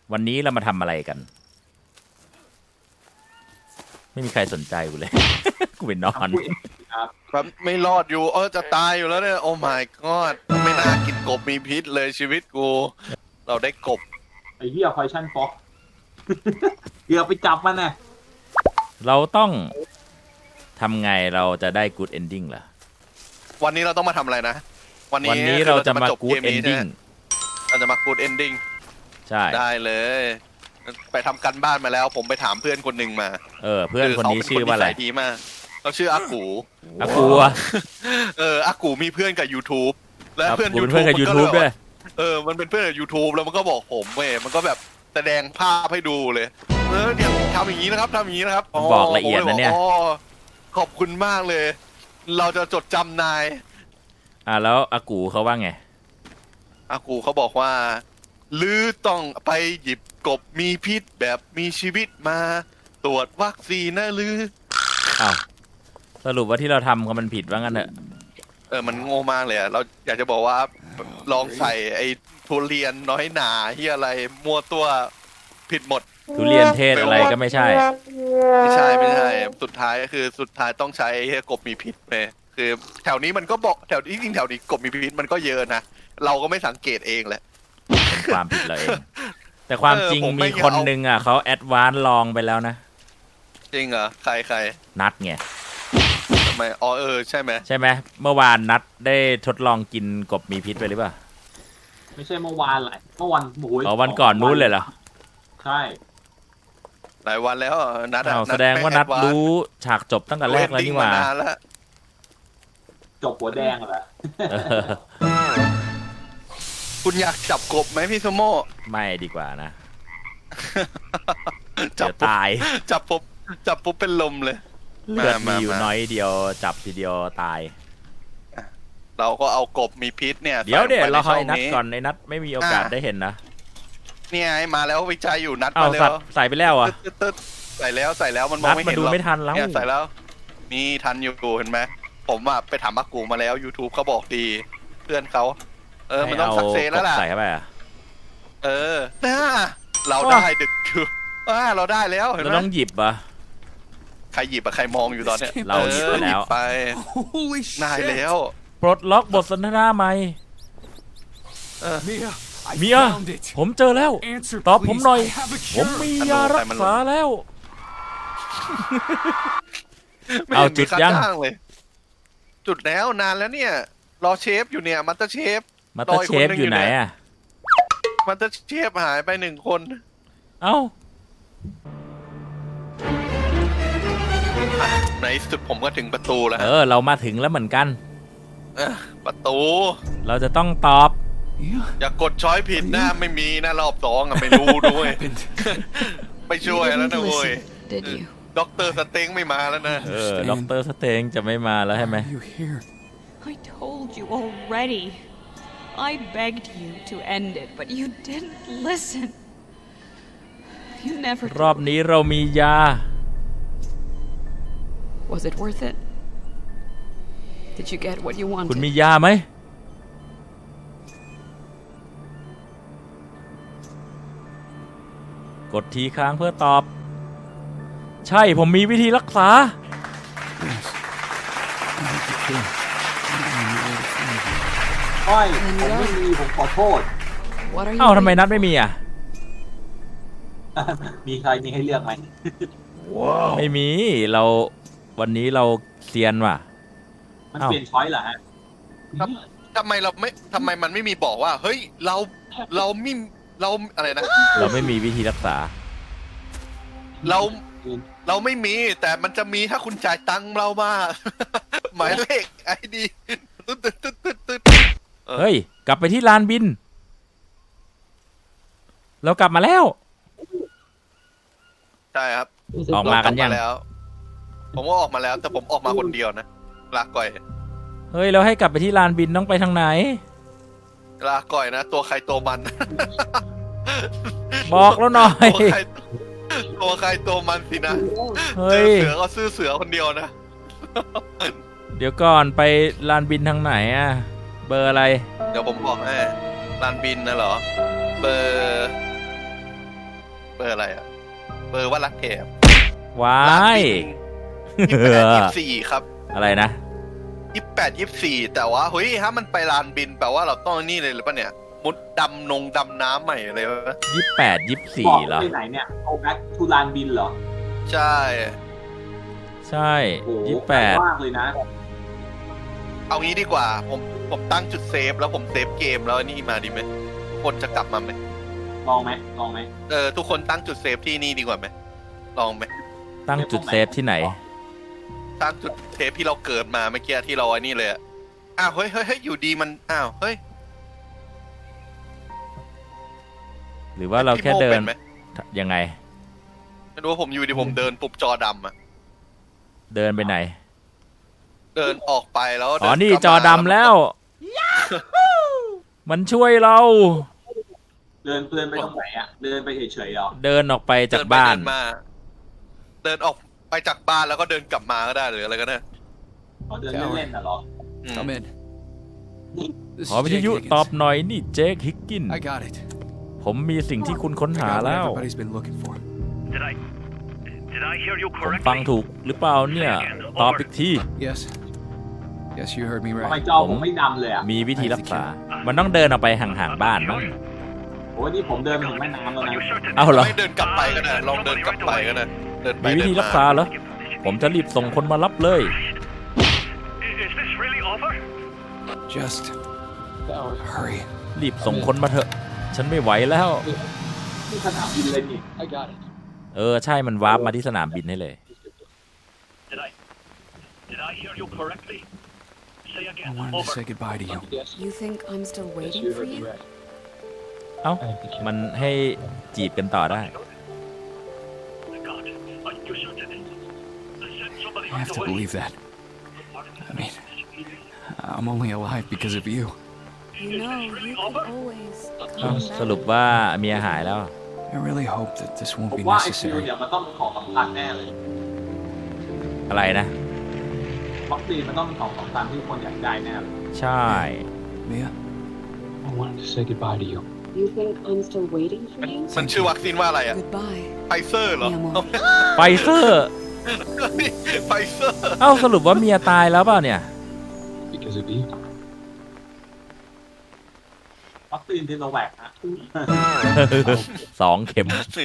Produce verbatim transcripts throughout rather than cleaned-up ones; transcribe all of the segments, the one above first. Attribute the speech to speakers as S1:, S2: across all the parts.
S1: วันนี้เรามาทำอะไรกันไม่มีใครสนใจกูเลย กูไปนอน
S2: แบบไม่รอดอยู่เออจะตายอยู่แล้วเนี่ยโอ้ my god ไม่น่ากินกบมีพิษเลยชีวิตกูเราได้กบ
S3: ไอ้เหี้ยไฟชั่นฟ็อกเกือบไปจับมันน่ะ
S1: เราต้องทำไงเราจะได้ good ending เหรอ
S2: วันนี้เราต้องมาทำอะไรนะ
S1: วันนี้วันนี้เราจะมา good ending
S2: เราจะมา good ending
S1: ใช่
S2: ได้เลยไปทำกันบ้านมาแล้วผมไปถามเพื่อนคนหนึ่งมา
S1: เออเพื่อนคนนี้ชื่อว่าอะไร
S2: ดีมากเขาชื่ออากู
S1: อากู
S2: เอออากูมีเพื่อนกับ YouTube และเพื่อน
S1: YouTube กับ YouTube ด้วย
S2: เออมันเป็นเพื่อนกับ YouTube แล้วมันก็บอกผมเว้ยมันก็แบบแสดงภาพให้ดูเลยเออเนี่ยทำอย่างนี้นะครับทำอย่างนี้นะครับ
S1: บอกละเอียดนะเนี่ย
S2: ขอบคุณมากเลยเราจะจดจำนาย
S1: อ่าแล้วอากูเขาว่าไง
S2: อากูเขาบอกว่าลือต้องไปหยิบกบมีพิษแบบมีชีวิตมาตรวจวัคซีนนะลือ
S1: อ้าวสรุปว่าที่เราทำกันมันผิดว่างั้นเถอะ
S2: เออมันโง่มากเลยอะเราอยากจะบอกว่าลองใส่ไอ้ทุเรียนน้อยหนาที่อะไรมั่วตัวผิดหมด
S1: ทุเรียนเทศอะไรก็ไม่ใช่
S2: ไม่ใช่ไม่ใช่สุดท้ายก็คือสุดท้ายต้องใช้กบมีพิษเลยคือแถวนี้มันก็บอกแถวนี้จริงแถวนี้กบมีพิษมันก็เยอะนะเราก็ไม่สังเกตเองแหละ
S1: ความผิดเราเองแต่ความจริงมีคนนึงอ่ะเขาแอดวานซ์ลองไปแล้วนะ
S2: จริงเหรอใครใคร
S1: นัดไง
S2: ทำไมอ๋อเออใช่ไหม
S1: ใช่ไหมเมื่อวานนัดได้ทดลองกินกบมีพิษไปหรือเปล่า
S3: ไม่ใช่เมื่อวานแหละเมื่อวันโอ้ย
S1: อ๋อวันก่อนนู้นเลยเหรอ
S3: ใช่
S2: หลายวันแล้วนัด
S1: แสดงว่านัดรู้ฉากจบตั้งแต่แรกแล้วนี่หว่า
S3: จบหัวแดงเหรอ
S2: คุณอยากจับกบไหมพี่สมโม
S1: ไม่ดีกว่านะจับตาย
S2: จับปุ๊บจับปุ๊บเป็นลมเลย
S1: เลือดมีอยู่น้อยเดียวจับทีเดียวตาย
S2: เราก็เอากบมีพิษเนี่ย
S1: เดี๋ยวเดี๋ยวเราให้นัดก่อนในนัดไม่มีโอกาสได้เห็นนะ
S2: เนี่ยมาแล้ววิจัยอยู่นัด
S1: มาแล้วใส่ไปแล้วอ่ะ
S2: ใส่แล้วใส่แล้วมันมองไม่เห็นหรอก
S1: มาดูไม่ทันแล้ว
S2: ใส่แล้วนี่ทันอยู่เห็นไหมผมอ่ะไปถามอากูมาแล้ว YouTube เขาบอกดีเพื่อนเขาเออมันต้องสักเซนแล้วล่ะ
S1: ใส่เข้าไปอ่ะ
S2: เออน่าเราได้ดึกคืออ่าเราได้แล้ว
S1: เราต้องหยิบอ่ะ
S2: ใครหยิบอะใครมองอยู่ตอนเนี้ย
S1: เราหยิบไปแล้ว
S2: ไปได้แล้ว
S1: ปลดล็อกบทสนทนาใหม่เมียผมเจอแล้วตอบผมหน่อยผมมียารักษาแล้วเอาจุดยัง
S2: จุดแล้วนานแล้วเนี่ยรอเชฟอยู่เนี่ยมัตเตอร์เชฟ
S1: มัตเตอร์เชฟอยู่ไหนอะ
S2: มัตเตอร์เชฟหายไปหนึ่งคน
S1: เอ้า
S2: ในสุดผมก็ถึงประตูแล้ว
S1: เออเรามาถึงแล้วเหมือนกัน
S2: ประตู
S1: เราจะต้องตอบ
S2: อย่ากดช้อยผิดนะไม่มีนะรอบสองอะไม่รู้ด้วยไม่ช่วยแล้วนะเว้ยด็อกเตอร์สเต็งไม่มาแล้วนะ
S1: เออด็อกเตอร์สเต็งจะไม่มาแล้วใช่ไหม
S4: I told you already I begged you to end it but you didn't listen you never
S1: รอบนี้เรามียา
S4: Was it worth it Did you get what you wanted
S1: คุณมียาไหมกดทีค้างเพื่อตอบใช่ผมมีวิธีรักษา
S3: ใช่ผมไม่มีผมขอโทษ
S1: เอ้าทำไมนัดไม่มีอ่ะ
S3: มีใครมีให้เลือกไหม
S1: ไม่มีเราวันนี้เราเซียนว่ะ
S3: มันเปลี่ยนช้อยเหรอฮะ
S2: ทำไมเราไม่ทำไมมันไม่มีบอกว่าเฮ้ยเราเราไม่เราอะไรนะ
S1: เราไม่มีวิธีรักษา
S2: เราเราไม่มีแต่มันจะมีถ้าคุณจ่ายตังค์เรามาหมายเลขไอดีตึ๊ดตึ๊ดตึ๊ดตึ๊ดตึ๊ด
S1: เฮ้ยกลับไปที่ลานบินเรากลับมาแล้ว
S2: ใช่ครับ
S1: ออกมากันยัง
S2: แล้วผมก็ออกมาแล้วแต่ผมออกมาคนเดียวนะลาก่อย
S1: เฮ้ยเราให้กลับไปที่ลานบินต้องไปทางไหน
S2: ลาก่อยนะตัวใครตัวมัน
S1: บอกแล้วหน่อย
S2: ตัวใครตัวมันสินะ
S1: เฮ้ย
S2: เสือก็ซื้อเสือคนเดียวนะ
S1: เดี๋ยวก่อนไปลานบินทางไหนอ่ะเบอร์อะไร
S2: เดี๋ยวผมบอกให้ลานบินนะเหรอเบอร์อร์อะไรอะเบอร์ว่ารักแถบ
S1: ว้า
S2: ร้าน
S1: ย
S2: บินยี่สิบแปดยี่สิบสี่ครับ
S1: อะไรนะ
S2: ยี่สิบแปดยี่สิบสี่แต่ว่าเฮ้ยถ้ามันไปลานบินแปลว่าเราต้องนี่เลยหรือปะเนี่ยมุดดำนงดำน้ำใหม่เลยวะ
S1: ยี่สิบแปดยี่สิบสี่
S3: บอก
S1: เหรอ
S3: ไปไหนเนี่ยเอาแบ็คทูลานบินเหรอ
S2: ใช่
S1: ใช่
S3: โอ้โห
S1: ยี่สิบแปด
S3: มากเลยนะ
S2: เอางี้ดีกว่าผมผมตั้งจุดเซฟแล้วผมเซฟเกมแล้วนี่มาดีไหมคนจะกลับมาไหม
S3: ลองไหมลองไหม
S2: เออทุกคนตั้งจุดเซฟที่นี่ดีกว่าไหมลองไหม
S1: ตั้งจุดเซฟที่ไหน
S2: ตั้งจุดเซฟที่เราเกิดมาเมื่อกี้ที่เราไอ้นี่เลยอะอ้าวเฮ้ยเฮ้ยเฮ้ยอยู่ดีมันอ้าวเฮ้ย
S1: หรือว่าเราแค่เดิน
S2: พี่โม่ป็ไหม
S1: ยังไง
S2: ไม่รู้ว่าผมอยู่ดีผมเดินปุ๊บจอดำอะ
S1: เดินไปไหน
S2: เดินออกไปแล้ว
S1: อ๋อ
S2: เดิ
S1: นี่
S2: กลับ
S1: จอ
S2: มา
S1: ดำแล้ว มันช่วยเรา
S3: เดินเดินไปตรงไหนอ่ะเดินไปเฉยๆเหรอ
S1: เดินออกไปจาก
S2: เดินไป
S1: บ้าน
S2: เดินมา เดินออกไปจากบ้านแล้วก็เดินกลับมาก็ได้หรืออะไรก็ได้
S3: อ๋อเดินเล่นๆน่ะเหรอ
S2: อืม
S5: Come in. This
S1: ขอ
S5: is
S1: วิท
S5: Jake
S1: ยุ
S5: Higgins.
S1: ตอบหน่อยนี่เจคฮิกกิน
S5: I got it.
S1: ผมมีสิ่งที่คุณค้น
S5: I
S1: หา
S5: got what
S1: แล้ว
S5: everybody's been looking for.
S6: Did I did I hear you
S1: ผมฟัง
S6: correctly?
S1: ถูกหรือเปล่าเนี่ย ตอบอีกที
S5: Yes. Yes, you heard me
S3: ทำไม
S5: right.
S3: จอผมไม่ดำเลยอ่ะ
S1: มีวิธีรักษา มันต้องเดินออกไปห่างๆบ้านมั้ง
S3: โอ้ยนี่ผมเดินไปถึงแม่น้ำแล้ว
S6: Are
S3: นะ
S6: you certain?
S1: เอาเหรอ
S2: ไม่เดินกลับไปก็ได้ลองเดินกลับไปก็ได้เดินไป
S1: มีวิธี
S2: เดิน
S1: รักษาเหรอ ผมจะรีบส่งคนมารับเลย
S6: Is this really over?
S5: Just hurry.
S1: รีบส่งคนมาเถอะ ฉันไม่ไหวแล้ว
S3: ที่สนามบินเลยนี่
S1: เออ ใช่มันวาร์ปมาที่สนามบินให้เลย
S6: Did I did I hear you correctly? Say
S5: I
S6: again.
S5: wanted to
S6: Over.
S5: say goodbye to you.
S7: You think I'm still waiting for you?
S1: เอ้า มันให้จีบกันต่อได้
S6: God, are you certain? Send somebody
S5: I have
S6: right
S5: to
S6: away.
S5: believe that. I mean, I'm only alive because of you.
S7: You know, you can always
S1: เอ้า
S7: come
S1: สรุป
S7: back.
S1: ว่าเมียหายแล้ว
S5: I really hope that this
S3: ผ
S5: won't
S3: ม
S5: be
S3: ว่าไอคิว
S5: necessary.
S3: เนี่ยมันต้องเป็นของสำคัญแน่เลย
S1: อะไรนะ
S3: วัคซีนมันต้องเป็นของสำคัญที่คนอยากได้แน่เลย
S1: ใช่
S5: Mia,
S8: I wanted to say goodbye to you.
S7: You think I'm still waiting for you?
S2: มันชื่อวัคซีนว่าอะไรอะ
S7: Goodbye,
S2: ไฟเซอร์เหรอ
S7: mi amor.
S1: ไฟเซอร์
S2: ไฟเซอร์
S1: เอ้าสรุปว่าเมียตายแล้วเปล่าเนี่ย
S8: Because of you.
S3: วัคซีนซิโนแวคนะ
S1: สองเข็ม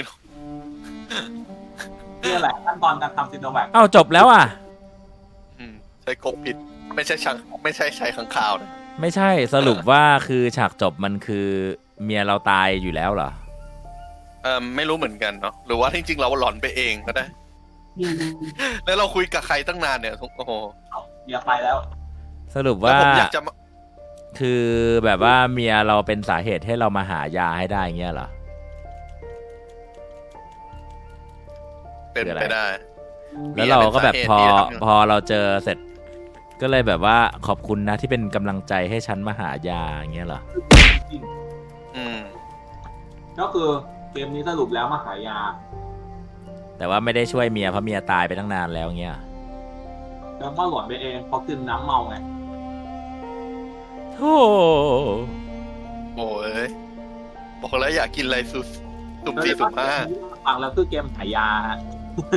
S3: นี่แหละขั้นตอนการทำซิโนแวค
S1: เอ้าจบแล้วอ่ะ
S2: อืมใช้กบผิด ไม่ใช่ชังไม่ใช่ใช้ขังข่าวนะ
S1: ไม่ใช่สรุปว่าคือฉากจบมันคือเมียเราตายอยู่แล้วเหรอ
S2: เออไม่รู้เหมือนกันเนาะหรือว่าจริงๆเราหลอนไปเองก็ได้ แล้วเราคุยกับใครตั้งนานเนี่ยโอ้โห
S3: อย่าไปแล้ว
S1: สรุป
S2: แล้ว
S1: ว่า
S2: ผมอยากจะมา
S1: คือแบบว่าเมียเราเป็นสาเหตุให้เรามาหายาให้ได้เงี้ยเหรอ
S2: เป็นไปได้
S1: แล้วเราก็แบบพอ
S2: เมียเป็นสาเหตุที่ทำ
S1: พอเราเจอเสร็จ ก็เลยแบบว่าขอบคุณนะที่เป็นกำลังใจให้ฉันมาหายาอย่างเงี้ยเหรอ
S2: อืม
S3: ก็คือเกมนี้สรุปแล้วมาหายา
S1: แต่ว่าไม่ได้ช่วยเมียเพราะเมียตายไปตั้งนานแล้วเงี้ย
S3: แล้วก็หลอนไปเองเพราะกินน้ำเมาไง
S1: โธ่
S2: โอ้ยบอกแล้วอยากกินอะไรสุดสุ่มสี่สุ่มห้า
S3: ฟังแล้วคือเกมหายาฮะ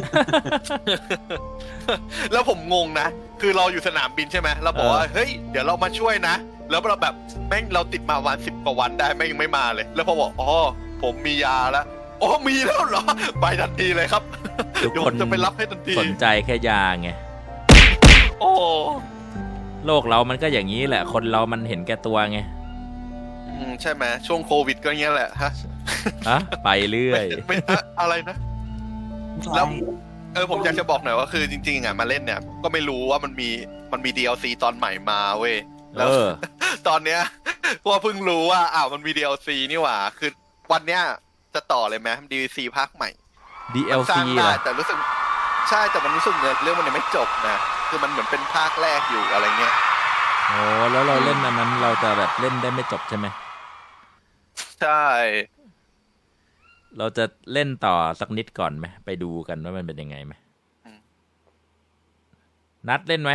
S2: แล้วผมงงนะ คือเราอยู่สนามบินใช่ไหมเราบอกว่า เฮ้ย เดี๋ยวเรามาช่วยนะ แล้วเราแบบแม่งเราติดมาวันสิบกว่าวันได้แม่งยังไม่มาเลย แล้วพอบอก อ๋อ ผมมียาแล้ว อ๋อ มีแล้วเหรอ ไปทันทีเลยครับ
S1: ทุก
S2: เดี๋ยว
S1: ค
S2: ผ
S1: น
S2: มจะไปรับให้ทันที
S1: สนใจแค่ยาไง
S2: โอ้
S1: โลกเรามันก็อย่างนี้แหละ คนเรามันเห็นแก่ตัวไง
S2: อืมใช่ไหมช่วงโควิดก็อย่างเงี้ยแหละฮะ
S1: ฮะไปเรื่อย
S2: ไม่ไม่อะไรนะ แล้วเออผมอยากจะบอกหน่อยว่าคือจริงๆอ่ะมาเล่นเนี่ย ก็ไม่รู้ว่ามันมีมันมี ดี แอล ซี ตอนใหม่มาเว้ย
S1: เอ
S2: แล้ว
S1: อ
S2: ตอนเนี้ยว่าเพิ่งรู้ว่าอ้าวมันมี ดี แอล ซี นี่หว่า คือวันเนี้ยจะต่อเลยไหม ดี แอล ซี ภาคใหม่
S1: ดี แอล
S2: สร้า
S1: ซี
S2: ง
S1: เหร
S2: ได้
S1: อ
S2: แต่รู้สึกใช่แต่มันรู้สึกเงินเรื่องมันยังไม่จบนะ คือมันเหมือนเป็นภาคแรกอยู่อะไรเงี้ย
S1: โอ้แล้วเราเล่นอันนั้นเราจะแบบเล่นได้ไม่จบใช่ไหม
S2: ใช่
S1: เราจะเล่นต่อสักนิดก่อนไหมไปดูกันว่ามันเป็นยังไงไหมนัดเล่นไหม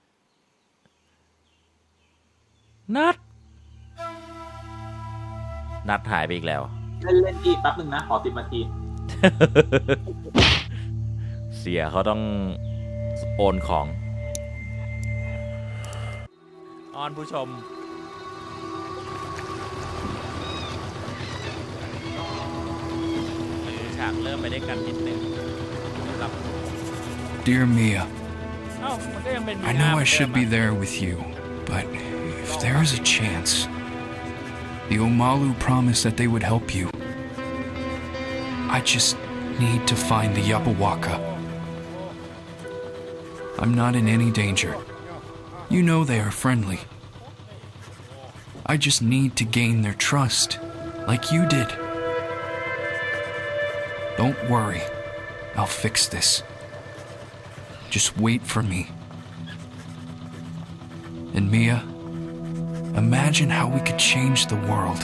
S1: นัดนัดหายไปอีกแล้ว
S3: เล่นเล่นอีกแป๊บหนึ่งนะ ขอสิบนาที
S1: เสียเขาต้องโอนของออนผู้ชมฉากเริ่มไปได้กันนิดนึงสำหรับ
S5: Dear Mia,
S1: เอ้ามันก็ยังเป็น
S5: I know I should be there with you, but if there is a chance, the Omalu promised that they would help you. I just need to find the Yapawaka. I'm not in any danger. You know they are friendly. I just need to gain their trust, like you did. Don't worry, I'll fix this. Just wait for me. And Mia, imagine how we could change the world.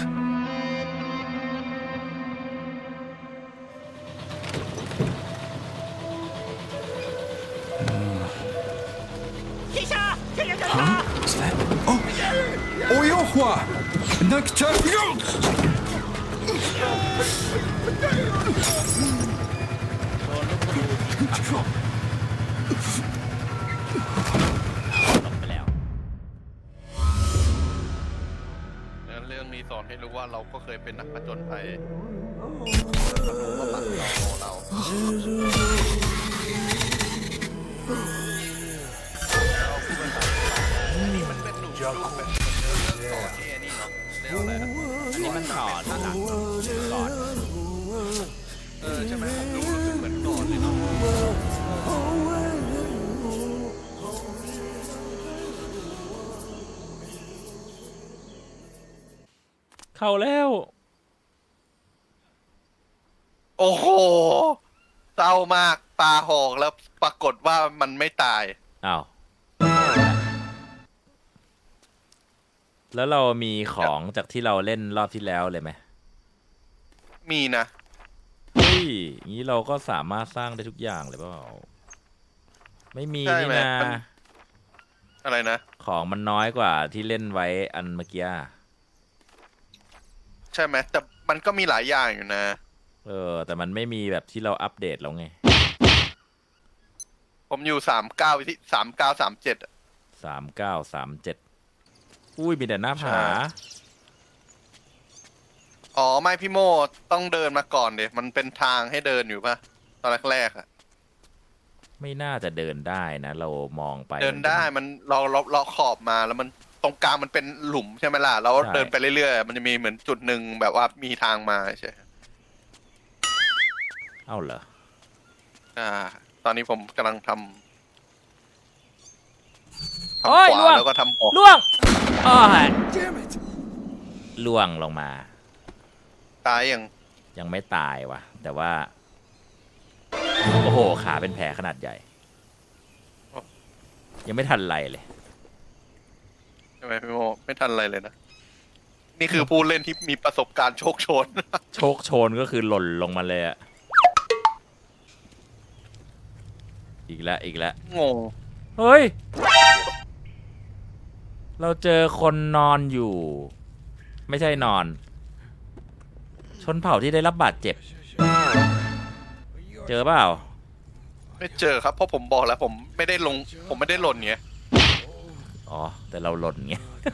S5: Huh? What's that? Oh! Oyohua! Nakta!
S1: ลงไปแล้ว
S2: แล้วเรื่องนี้สอนให้รู้ว่าเราก็เคยเป็นนักผจญภัยมารู้ว่าหมักเราเรานี่มันเป็นหนูรูปแบบเรื่องต่อที่ไอ้นี่เนาะเรียกว่าอะไรนะ
S1: อันนี้มันต่อที่หลังก่อน
S2: เออใช่ไหมผมรู้รู้สึกเหมือนก่อนเลยเนาะ
S1: เข้าแล้ว
S2: โอ้โหเศร้ามากตาหอกแล้วปรากฏว่ามันไม่ตาย
S1: อ้าว แล้วเรามีของจากที่เราเล่นรอบที่แล้วเลยไหม
S2: มีนะ
S1: เฮ้ยอย่างนี้เราก็สามารถสร้างได้ทุกอย่างเลยเปล่า ไม่มี
S2: ใช่
S1: นี่
S2: ไหม
S1: นะ
S2: มัน อะไรนะ
S1: ของมันน้อยกว่าที่เล่นไว้อันเมื่อกี้
S2: ใช่ไหมแต่มันก็มีหลายอย่างอยู่นะ
S1: เออ แต่มันไม่มีแบบที่เราอัปเดตแล้วไง
S2: ผมอยู่สามเก้าที่สามเก้าสามเจ็ด
S1: สามเก้าสามเจ็ดอุ้ยมีแต่หน้าผา
S2: ใช่ อ๋อไม่พี่โมต้องเดินมาก่อนเดี๋ยมันเป็นทางให้เดินอยู่ปะตอนแรกๆอะ
S1: ไม่น่าจะเดินได้นะ เรามองไป
S2: เดินได้มันเราเราเราขอบมาแล้วมันตรงกลางมันเป็นหลุมใช่ไหมล่ะแล้วเดินไปเรื่อยๆมันจะมีเหมือนจุดหนึ่งแบบว่ามีทางมาใช่
S1: เอ้าเหรอ
S2: อ่า ตอนนี้ผมกำลังทำ
S1: โอ้
S2: ทำ
S1: ย
S2: ข
S1: ล่ว
S2: วาง แล้วก็ทำออก
S1: ล่วงอ้อยล่วงลงมา
S2: ตายยัง
S1: ยังไม่ตายว่ะ แต่ว่า โอ้โห ขาเป็นแผลขนาดใหญ่ ยังไม่ทันไรเลย
S2: ใช่ไหมพี่โมไม่ทันอะไรเลยนะ นี่คือผู้เล่นที่มีประสบการณ์โชคโชน
S1: โชคโชนก็คือหล่นลงมาเลยอะอีกแล้วอีกแล้ว
S2: งง
S1: เฮ้ย เราเจอคนนอนอยู่ ไม่ใช่นอน ชนเผ่าที่ได้รับบาดเจ็บ เจอเปล่า
S2: ไม่เจอครับเพราะผมบอกแล้ว ผมไม่ได้ลง ผมไม่ได้หล่นเงี้ย
S1: อ๋อ แต่เราหล่นไง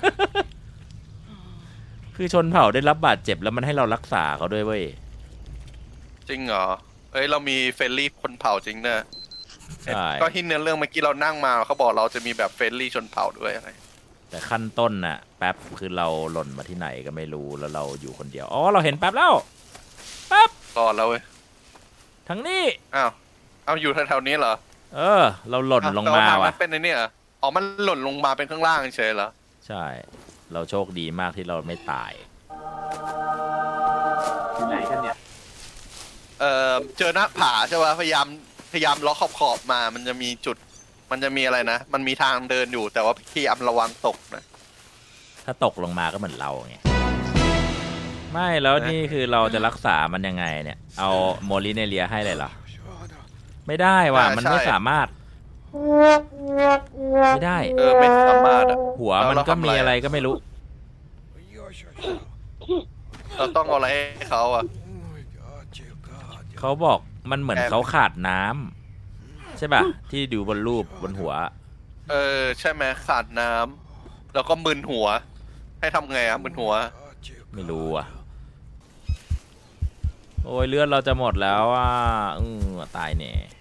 S1: คือชนเผ่าได้รับบาดเจ็บแล้วมันให้เรารักษาเขาด้วยเว้ย
S2: จริงเหรอ เอ้ยเรามีเฟรนลี่คนเผ่าจริงเนอะ
S1: ใช่
S2: ก็ที่เนื้อเรื่องเมื่อกี้เรานั่งมาเขาบอกเราจะมีแบบเฟรนลี่ชนเผ่าด้วยอะไร
S1: แต่ขั้นต้นน่ะ แป๊บคือเราหล่นมาที่ไหนก็ไม่รู้แล้วเราอยู่คนเดียว อ๋อ เราเห็นแป๊บแล้ว แป๊บ
S2: รอดแล้วเว้ย
S1: ทั้งนี้
S2: อ้าว เอาอยู่แถวๆนี้เหรอ
S1: เออ เราหล่นลงมา
S2: เอท
S1: ว่ะ
S2: นเป็นในนี่เหรออ๋อ มันหล่นลงมาเป็นข้างล่างเฉยเหรอ
S1: ใช่ เราโชคดีมากที่เราไม่ตาย
S3: อยู่ไหนกันเนี่ย
S2: เอ่อ เจอหน้าผาใช่ป่ะพยายามพยายามล้อขอบขอบๆมา มันจะมีจุด มันจะมีอะไรนะ มันมีทางเดินอยู่แต่ว่าพยายามระวังตกนะ
S1: ถ้าตกลงมาก็เหมือนเราไง ไม่แล้วนี่คือเราจะรักษามันยังไงเนี่ย เอาโมลิเนเลียให้เลยเหรอ ไม่ได้ว่ะ
S2: อ่า
S1: มัน
S2: ใช่
S1: ไม่สามารถ ไม่ได้
S2: เออ ไม่สามารถอะ
S1: หัว
S2: แล้ว
S1: มัน
S2: เรา
S1: ก็
S2: ทำ
S1: มี
S2: อะไร
S1: อะไรก็ไม่รู้
S2: เราต้องเอาอะไรให้เขาอะ
S1: เขาบอกมันเหมือนเขาขาดน้ำใช่ป่ะ ที่ดูบนรูปบนหัว
S2: เออใช่ไหมขาดน้ำแล้วก็มึนหัว ให้ทำไงอะมึนหัว
S1: ไม่รู้อ่ะ โอ้ยเลือดเราจะหมดแล้วอ่ะอือตายแน่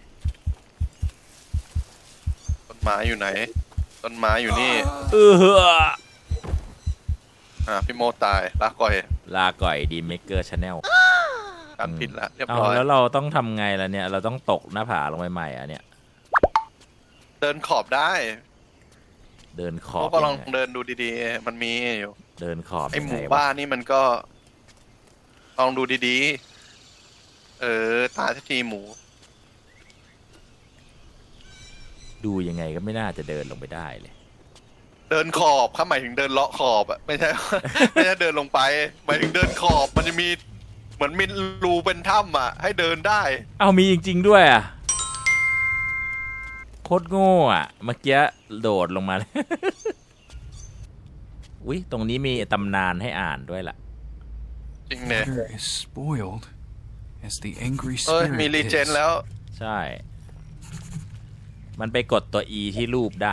S2: ต้นไม้อยู่ไหน ต้นไม้อยู่นี่
S1: เออ
S2: อ่าพี่โมตายลาก่อย
S1: ลาก่อยดีเมเกอร์ชาแนล
S2: การผิดละเรียบ
S1: เอา
S2: ร้อย
S1: แล้วเราต้องทำไงล่ะเนี่ย เราต้องตกหน้าผาลงไปใหม่อ่ะเนี่ย
S2: เดินขอบได้
S1: เดินข
S2: พ
S1: อ
S2: ว
S1: บ
S2: กก็ลอง
S1: ยังไง
S2: เดินดูดีๆ มันมีอยู่
S1: เดินขอบ
S2: ไอหมู่
S1: ยังงวะ
S2: บ้านนี่มันก็ ลองดูดีๆ เออตายสักทีหมู
S1: ดูยังไงก็ไม่น่าจะเดินลงไปได้เลย
S2: เดินขอบข้าหมายถึงเดินเลาะขอบอะไม่ใช่ ไม่ใช่เดินลงไป หมายถึงเดินขอบมันจะมีเหมือนมีรูเป็นถ้ำอะให้เดินได้
S1: เอามีจริงๆด้วยอ่ะ โคตรโง่อ่ะ เมื่อกี้โดดลงมาเลย อุ๊ย ตรงนี้มีตำนานให้อ่านด้วยล่ะ
S2: จริงเนี่ย
S5: Water is spoiled as the angry
S2: เอ้ย มี
S5: spirit
S2: รีเจน
S5: is.
S2: แล้ว
S1: ใช่ มันไปกดตัว E ที่รูปได้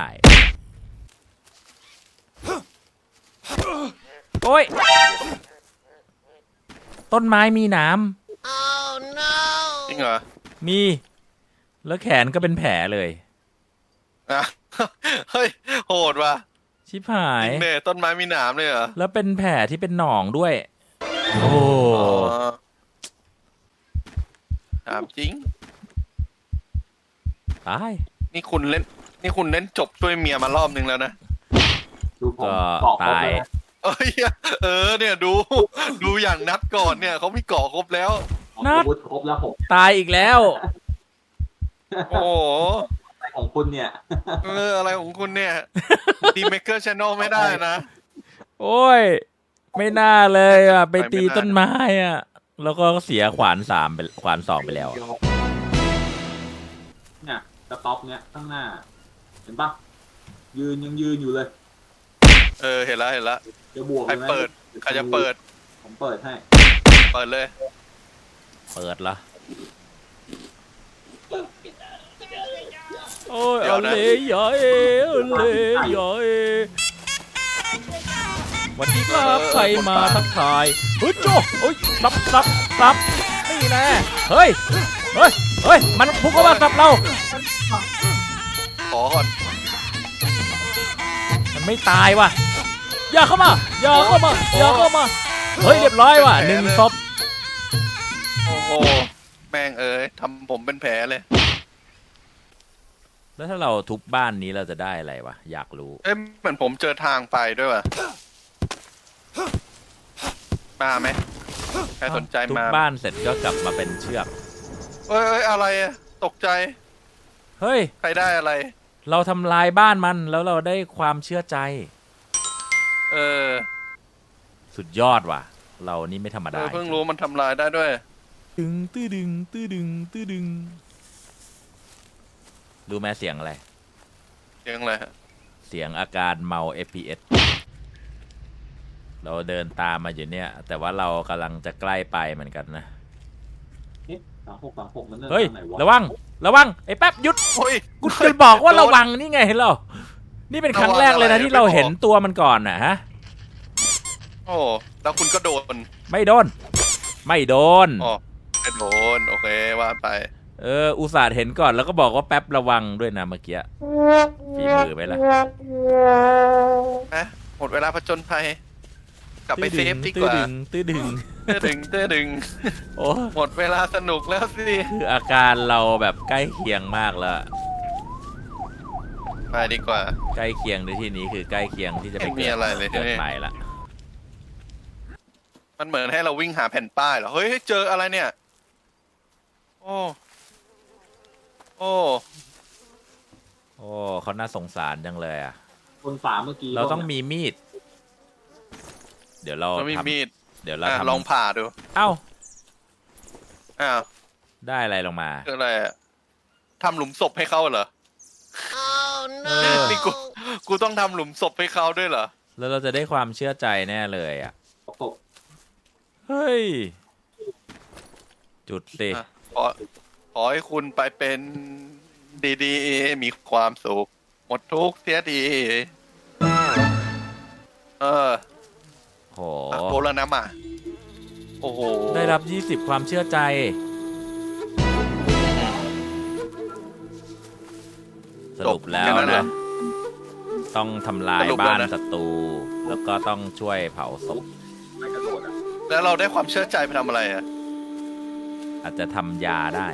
S1: โอ้ย ต้นไม้มีหน้
S2: จริงเหรอ
S1: ำมี แล้วแขนก็เป็นแผลเลย
S2: อ่ะ เฮ้ย โหดว่ะ
S1: ชิบหา
S2: จ
S1: ย
S2: ริงเนี่ยต้นไม้มีหนามเลยเหรอ
S1: แล้วเป็นแผลที่เป็นหนองด้วย โอ้
S2: อ๋อถามจริง
S1: ตาย
S2: นี่คุณเล่น นี่คุณเล่นจบช่วยเมียมารอบนึงแล้วนะ
S3: ดูผม
S1: ก็
S3: เกาะครบ
S1: ตาย
S3: แล้วนะ
S2: เอ้ย เออ เนี่ยดู ดูอย่างนัดก่อนเนี่ยเขามีเกาะครบแล้ว
S1: นัด
S3: อาวุธครบแล้วผม
S1: ตายอีกแล้ว
S2: โอ้โห
S3: อะไรของคุณเนี่ย
S2: เออ อะไรของคุณเนี่ยดีเมเกอร์ชานอลไม่ได้นะ
S1: โอ้ย ไม่น่าเลยอ่ะ ไป
S2: ไปไม่
S1: ตี
S2: น่า
S1: ต้นไม้อ่ะ แล้วก็เสียขวานสามไปขวานสองไปแล้วอะ
S3: เนี่ยสต็อปเนี่ยข้างหน้า เห็นปะยืนยังยืนอยู่เลย
S2: เออ เห็นแล้วเห็นแล้ว
S3: จะบวก
S2: ใคร
S3: เลยไหม
S2: เปิด ใครจะเปิด
S3: ผมเปิดให้
S2: เปิดเลย
S1: เปิดละโอ้ย
S2: เดี๋ย
S1: เอา
S2: วนะ
S1: เลยยอยเอาเลยยอยสวัสดีครับใครมาทักทายเฮ้ยโจ้เฮ้ยซับซับซับนี่แน่เฮ้ย เฮ้ย เฮ้ย มันพุ่งเข้ามาซับเรา
S2: ขอก่อน
S1: มันไม่ตายว่ะ อย่าเข้ามา อย่าเข้ามา อย่าเข้ามา เฮ้ย เรียบร้อยว่ะหนึ่งศพ
S2: โอ้โห แม่งเอ้ยทำผมเป็นแผลเลย
S1: แล้วถ้าเราทุบบ้านนี้เราจะได้อะไรวะ อยากรู้
S2: เอ้ยเหมือนผมเจอทางไปด้วยว่ะ มาไหมใครสนใจ
S1: ทุบ
S2: มา
S1: บ้านเสร็จก็กลับมาเป็นเชือก
S2: เอ้ยเอ้ยอะไรอะตกใจ
S1: เฮ้ย
S2: ใครได้อะไร
S1: เราทำลายบ้านมันแล้วเราได้ความเชื่อใจ
S2: เออ
S1: สุดยอดว่ะ เรานี่ไม่ธรรม
S2: เอ
S1: ดา
S2: อเพิ่งรู้มันทำลายได้ด้วย
S1: ตึงตื้อดึงตื้อดึงตื้อดึงรู้ไหมเสียงอะไร
S2: เรื่องอะไรฮะ
S1: เสียงอาการเมา เอฟ พี เอส เราเดินตามมาอยู่เนี่ย แต่ว่าเรากำลังจะใกล้ไปเหมือนกันนะ
S3: เอ๊ะสามหกสามหกมันเริ่ม
S1: เฮ้ย
S3: ทางไหนวะ
S1: ระวัง ระวัง ไอ้แป๊บหยุด
S2: โอ้ย
S1: กูจะบอกว่าระวังนี่ไงเรา นี่เป็นครั้งแรกเลยนะที่เราเห็นตัวมันก่อนน่ะฮะ
S2: โอ้แล้วคุณก็โดน
S1: ไม่โดน ไม่โดน
S2: อ๋อไม่โดน โอเคว่าไป
S1: เออ อุตส่าห์เห็นก่อนแล้วก็บอกว่าแป๊บระวังด้วยนะเมื่อกี้ฝีมือไปละ
S2: นะหมดเวลาผจญภัย กลับไปเซฟดีกว่า
S1: ตื้อดึงตื้อดึง
S2: เต้ดึงเต้ดึง
S1: โอ้
S2: หมดเวลาสนุกแล้วสิ
S1: คืออาการเราแบบใกล้เคียงมากแล้ว
S2: ไปดีกว่า
S1: ใกล้เคียงในที่นี้คือใกล้เคียงที่จะไป
S2: ไม่มี
S1: เกิด
S2: อะไรเลย
S1: เกิด
S2: ที่นี่
S1: ใหม่ละ
S2: มันเหมือนให้เราวิ่งหาแผ่นป้ายเหรอ เฮ้ย เจออะไรเนี่ย โอ้ โอ้
S1: โอ้เขาน่าสงสารจังเลยอ่ะ
S3: คนฝาเมื่อกี้
S1: เราต้องมีมีด เดี๋ยวเรา
S2: มันมี
S1: ทำ
S2: มีด
S1: เดี๋ยวเรา
S2: อ่ะ
S1: ทำ
S2: ลองผ่าดู
S1: เอ้า
S2: อ้าว
S1: ได้อะไรลงมา
S2: คืออะไรอะทำหลุมศพให้เขาเหรอ
S1: เออ
S2: นี่กู กูต้องทำหลุมศพให้เขาด้วยเหรอ
S1: แล้วเราจะได้ความเชื่อใจแน่เลยอ่ะ
S3: ตก
S1: เฮ้ย จุดสิ
S2: อ่ะขอขอให้คุณไปเป็นดีๆ มีความสุข หมดทุกข์เสียดี เออ
S1: โห
S2: อ่ะโกแล้วนะมาโอ้โห
S1: ได้รับ ยี่สิบ ความเชื่อใจ สรุปแล้ว
S2: ค่นั้นเหรอ
S1: นะ ต้องทำลาย
S2: สรุปแล้ว
S1: บ้าน
S2: นะ
S1: ศัตรู แล้วก็ต้องช่วยเผาศพ
S3: ไม่กระโดดอ่ะ
S2: แล้วเราได้ความเชื่อใจไปทำอะไรอ่ะ
S1: อาจจะทำยาได้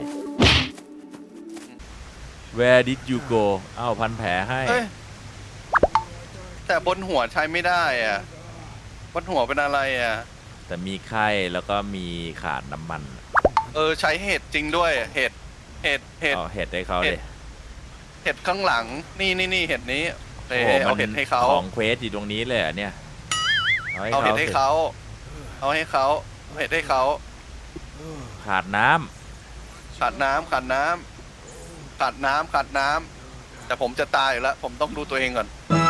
S1: Where did you go เอ้าพันแผลให้
S2: เอ้ย แต่บนหัวใช้ไม่ได้อ่ะ บนหัวเป็นอะไรอ่ะ
S1: แต่มีไข้แล้วก็มีขาดน้ำมัน
S2: เออใช้เห็ดจริงด้วย เห็ด เห็ด เห็ด
S1: เอาเห็ดให้เขา
S2: เห็
S1: เล
S2: ด
S1: ย
S2: เห็ดข้างหลัง นี่นี่นี่เห็ดนี้เอ
S1: โอ้
S2: อ
S1: โห
S2: เอา
S1: มั
S2: เห็ดให้เขา
S1: ของเควสอยู่ตรงนี้เลยเหรอเนี่ย เอาให้
S2: เอา
S1: เขา
S2: เห็ดให้
S1: สิ
S2: เขา เอาให้เขาเอาเห็ดให้เขา
S1: ขาดน้ำ
S2: ขาดน้ำขาดน้ำขาดน้ำขาดน้ำแต่ผมจะตายอยู่แล้ว ผมต้องดูตัวเองก่อน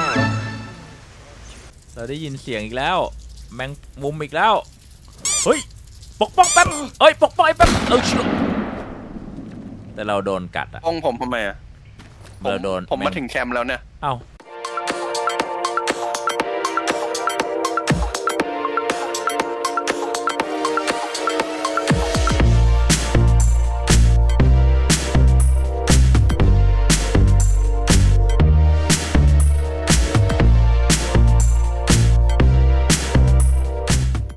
S1: เราได้ยินเสียงอีกแล้ว แมงมุมอีกแล้ว เฮ้ย ปกป้องแป๊บเอ้ย ปกป้องไอ้แป๊บเออเชื่อแต่เราโดนกัดอะ
S2: ป้องผมทำไมอ่ะ ผม
S1: เราโดน
S2: ผมมาถึงแคมป์แล้วเนี่ย
S1: เอ้า